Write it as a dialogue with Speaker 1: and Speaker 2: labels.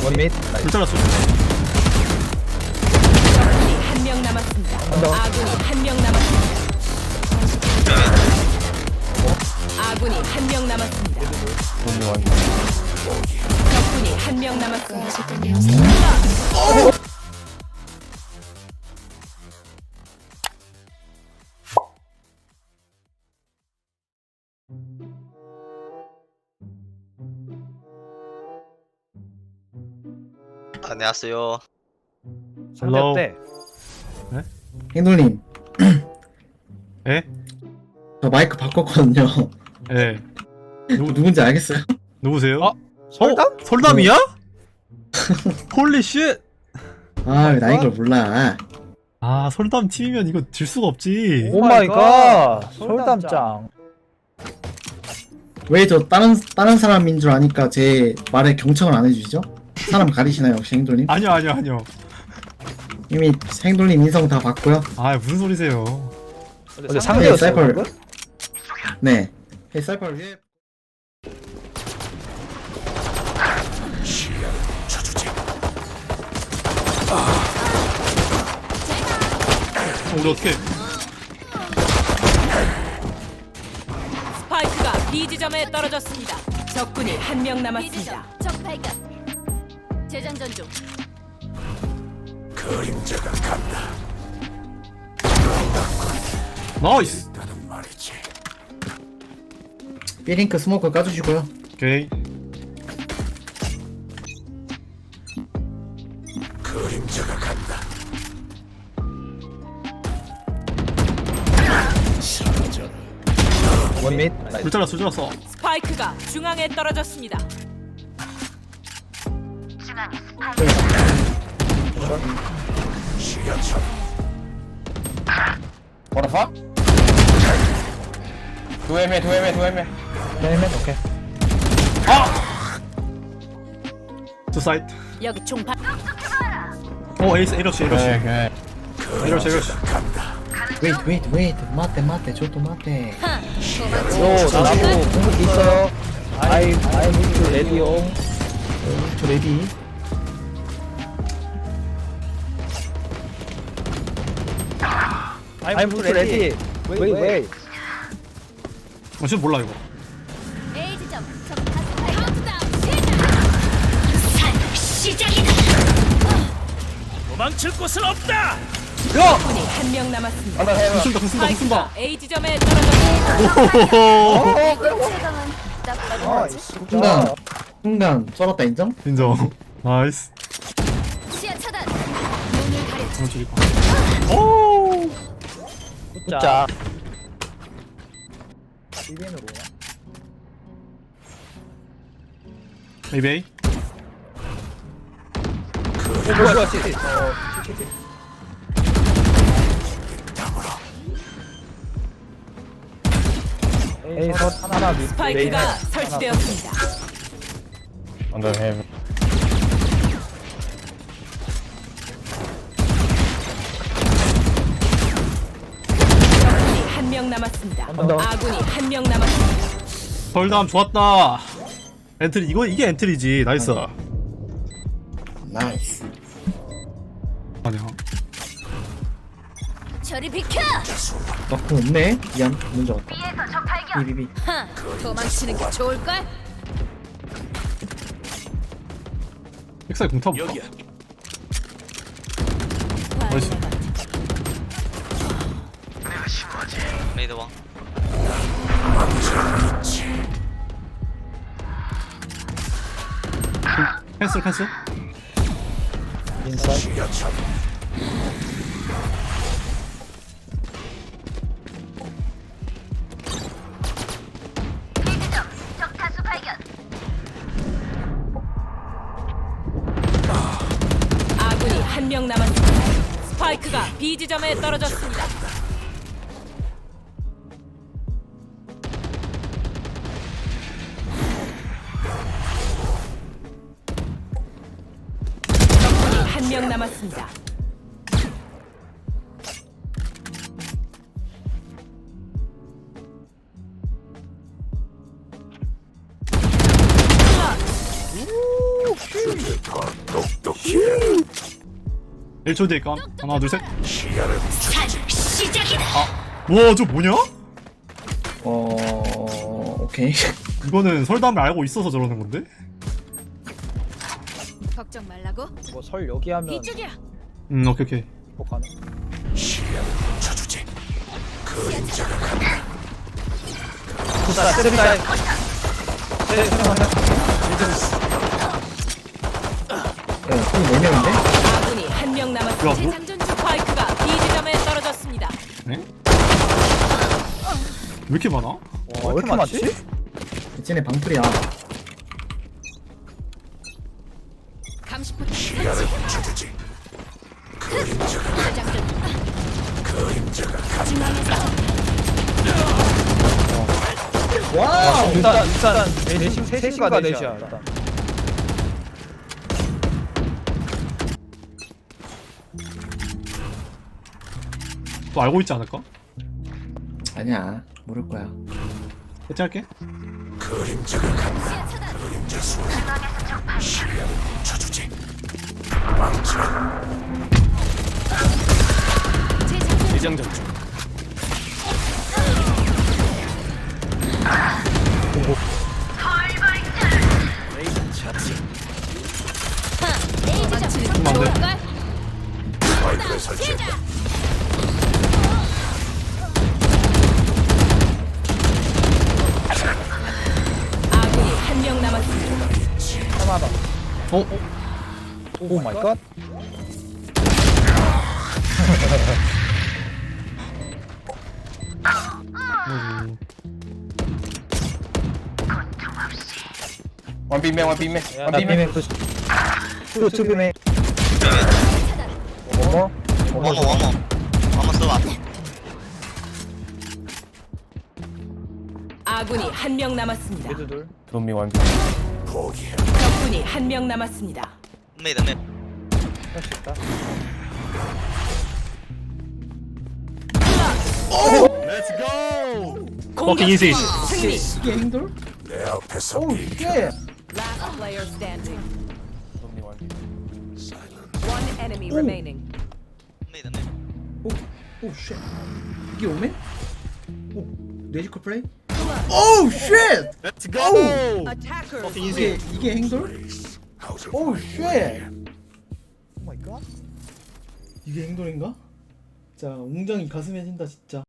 Speaker 1: 원밋.
Speaker 2: 불 잘랐어.
Speaker 3: 적군이 한 명 남았습니다. 아군이 한 명 남았습니다. 아군이 한 명 남았습니다. 적군이 한 명 남았습니다.
Speaker 4: 안녕하세요.
Speaker 1: 상대
Speaker 2: Hello.
Speaker 1: 어때?
Speaker 5: 행돌님,
Speaker 2: 에?
Speaker 5: 저 마이크 바꿨거든요.
Speaker 2: 예.
Speaker 5: 누군지 알겠어요?
Speaker 2: 누구세요?
Speaker 1: 어? 설담?
Speaker 2: 설담이야? 홀리 쉣!
Speaker 5: 아, 왜 나인 걸 몰라.
Speaker 2: 아, 설담 팀이면 이거 질 수가 없지.
Speaker 1: 오 마이 갓. 설담짱.
Speaker 5: 왜 저 다른 사람인 줄 아니까 제 말에 경청을 안 해주시죠? 사람 가리시나요, 혹시 행돌님?
Speaker 2: 아니요.
Speaker 5: 이미 행돌님 인성 다 봤고요.
Speaker 2: 아, 무슨 소리세요.
Speaker 1: 근데 상대였어.
Speaker 5: 사이퍼를.
Speaker 1: 방금?
Speaker 5: 네. 헤이 사이퍼 위에.
Speaker 2: 우리 어떻게?
Speaker 3: 스파이크가 B 지점에 떨어졌습니다. 적군이 한 명 남았습니다.
Speaker 6: 적 발견. 재장전 중.
Speaker 2: 나이스.
Speaker 5: B링크 스모크 까주시고요.
Speaker 2: 오케이.
Speaker 1: 원밋.
Speaker 2: 불 잘랐어.
Speaker 3: 스파이크가 중앙에 떨어졌습니다.
Speaker 7: What the fuck? Two MA.
Speaker 1: 헬멧 오케이.
Speaker 2: 투 사이트.
Speaker 3: 여기 총발.
Speaker 2: 에이스, 에러시.
Speaker 7: Okay.
Speaker 2: 에러시.
Speaker 5: 웨이트. 맞대. 저도 맞대.
Speaker 1: 요 나무 공격기 있어요. 아이 무드 레디오.
Speaker 5: 저 레디.
Speaker 1: 아이 무드 레디. 웨이.
Speaker 2: 지금 몰라, 이거.
Speaker 6: A 지점. 적 다수 발견. 시작이다.
Speaker 3: 적군이 한 명 남았습니다.
Speaker 2: 궁 쓴다.
Speaker 3: 스파이크가 A 지점에 떨어졌습니다.
Speaker 2: 오호호.
Speaker 6: 최강은 딱 맞은 거지.
Speaker 5: 순간 썰었다 인정?
Speaker 2: 인정. 나이스.
Speaker 6: 시야 차단. 눈을 가려.
Speaker 2: 오.
Speaker 1: 굿자. 비빈으로.
Speaker 2: 에이베이.
Speaker 1: 뭐야? 에이 컷 하나 밑.
Speaker 3: 스파이크가 설치되었습니다.
Speaker 7: Under him.
Speaker 3: 적군이 한 명 남았습니다.
Speaker 1: 언더.
Speaker 3: 아군이 한 명 남았습니다.
Speaker 2: 설담 좋았다. 엔트리 이게 엔트리지. 나이스.
Speaker 5: 나이스.
Speaker 2: 아니야.
Speaker 6: 저리 비켜.
Speaker 5: 너그 없네? 미안. 문제 없다.
Speaker 6: B에서 적 발견.
Speaker 5: 비비비.
Speaker 6: 도망치는 게 좋을 걸.
Speaker 2: 백사이 공탑. 나이스.
Speaker 4: 메이드 왕.
Speaker 2: 캔슬.
Speaker 1: 인사이드.
Speaker 6: 적 다수 발견.
Speaker 3: 아군이 한 명 남았습니다. 스파이크가 B 지점에 떨어졌습니다. 적군이 한 명 남았습니다.
Speaker 2: 1초 뒤에 깜. 하나, 둘, 셋.
Speaker 6: 시작이다.
Speaker 2: 와, 저 뭐냐?
Speaker 5: 오케이.
Speaker 2: 이거는 설담을 알고 있어서 저러는 건데?
Speaker 6: 걱정 말라고.
Speaker 1: 뭐 설 여기 하면
Speaker 6: 이쪽이야.
Speaker 2: 오케이, 오케이.
Speaker 1: 복하는. 굿자 쓰리다.
Speaker 5: 총 4명인데?
Speaker 3: 아군이 한 명 남았습니다.
Speaker 2: 야, 뭐?
Speaker 3: 재장전 중 스파이크가 B 지점에 떨어졌습니다.
Speaker 2: 네? 왜 이렇게 많아?
Speaker 1: 와, 왜 이렇게 많지?
Speaker 5: 쟤네 방풀이야.
Speaker 6: 감시포탑 설치. 재장전. 중앙에서
Speaker 5: 와우!
Speaker 1: 일단 내신 셋인가 넷이야 일단.
Speaker 2: 또 알고 있지 않을까?
Speaker 5: 아니야, 모를 거야.
Speaker 2: 해체할게.
Speaker 6: 재장전. 레이저
Speaker 2: 안 돼.
Speaker 6: 볼걸?
Speaker 3: 아군이 한 명 남았습니다.
Speaker 1: 하나다.
Speaker 2: 어?
Speaker 1: 오 마이 갓.
Speaker 7: One B man, one B man,
Speaker 1: 야,
Speaker 7: one
Speaker 1: 나
Speaker 7: B man.
Speaker 1: 비맨 푸 투비맨. 어머.
Speaker 4: 왕어 써봐.
Speaker 3: 아군이 한 명 남았습니다.
Speaker 1: 미드 둘.
Speaker 7: Throw me one B.
Speaker 3: 적군이 한 명 남았습니다.
Speaker 4: 메이드 맵.
Speaker 1: 할수 있다.
Speaker 2: Fucking easy.
Speaker 3: 승리.
Speaker 5: 이게 행돌? 오우, 쉣!
Speaker 3: Last player standing.
Speaker 7: Throw me one B.
Speaker 3: One enemy remaining.
Speaker 4: 메이드 맵.
Speaker 5: 오우, 쉣. 이게 오멘? 오, 뇌지컬 플레이? 오우, 쉣!
Speaker 3: Attackers.
Speaker 5: 이게 행돌? 오우, 쉣!
Speaker 1: 오 마이 갓.
Speaker 5: 이게 행돌인가? 자, 웅장이 가슴에 진다, 진짜.